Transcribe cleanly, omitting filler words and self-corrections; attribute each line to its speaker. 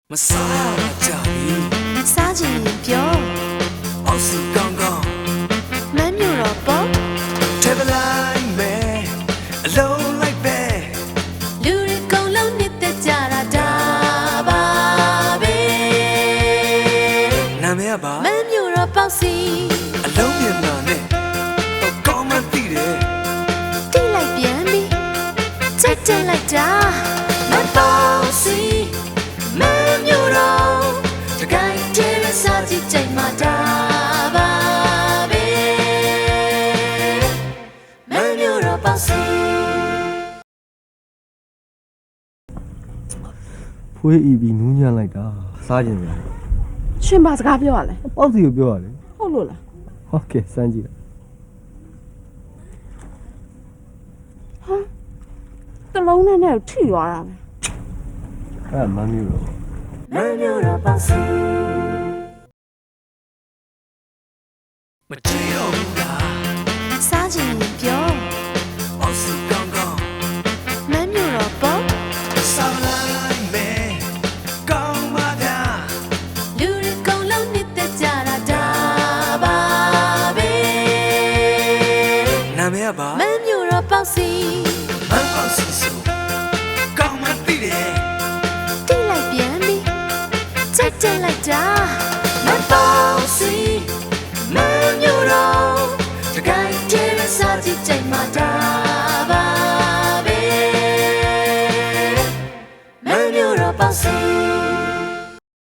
Speaker 1: မစားကြဘူး
Speaker 2: စားချင်ရင်ပြော
Speaker 1: အောက်စီကောင်းကောင်း
Speaker 2: မမ်းမြို့တော့ပေါ့
Speaker 1: ထဲပလိုက်မယ်အလုံးလိုက်ပဲ
Speaker 2: လူတွေကုန်လုံးနှစ်သက်ကြတာဒါပါပဲ
Speaker 1: နာမည်ကပါ
Speaker 2: မမ်းမြို့တော့ပေါ့စီ
Speaker 1: အလုံးမြန်မာနဲ့ကောင်းမှသိတယ်
Speaker 2: တိလိုက်ပြန်ပြီချက်ချက်လိုက်တာမပေါ့စီမမ်းမြို့တော့တကိုင်းတဲစားကြည့်ကြိုင်မှာဒါပါပဲမမ်းမြို့တော့ပေါ့စီ
Speaker 3: ဖွေးဤပြီးနူးညံ့လိုက်တာစားကြင်ရတယ်
Speaker 4: ရှင်ဘာစကားပြောရလဲ
Speaker 3: ပေါ့စီကိုပြောရလေ
Speaker 4: ဟုတ်လို့လား
Speaker 3: ဟုတ်ကဲ့စမ်းကြည့်
Speaker 4: ဟာတလုံးနဲ့ထိသွားတာပဲ
Speaker 3: အဲ့မမ်းမျိုးတော့
Speaker 2: မမ်းမြို့တော့ပေါ့စီ
Speaker 1: မကြည့်တော့ဘူးလား
Speaker 2: စားချင်ရင်ပြော
Speaker 1: အောက်စီကောင်းကောင်း
Speaker 2: မမ်းမြို့တော့ပေါ့
Speaker 1: စားလိုက်မယ်ကောင်းမှဗျာ
Speaker 2: လူတွေကုန်လုံးနှစ်သက်ကြတာဒါပါပဲ
Speaker 1: နာမည်ကပါ
Speaker 2: မမ်းမြို့တော့ပေါ့စီ
Speaker 1: မန်အောင်စီ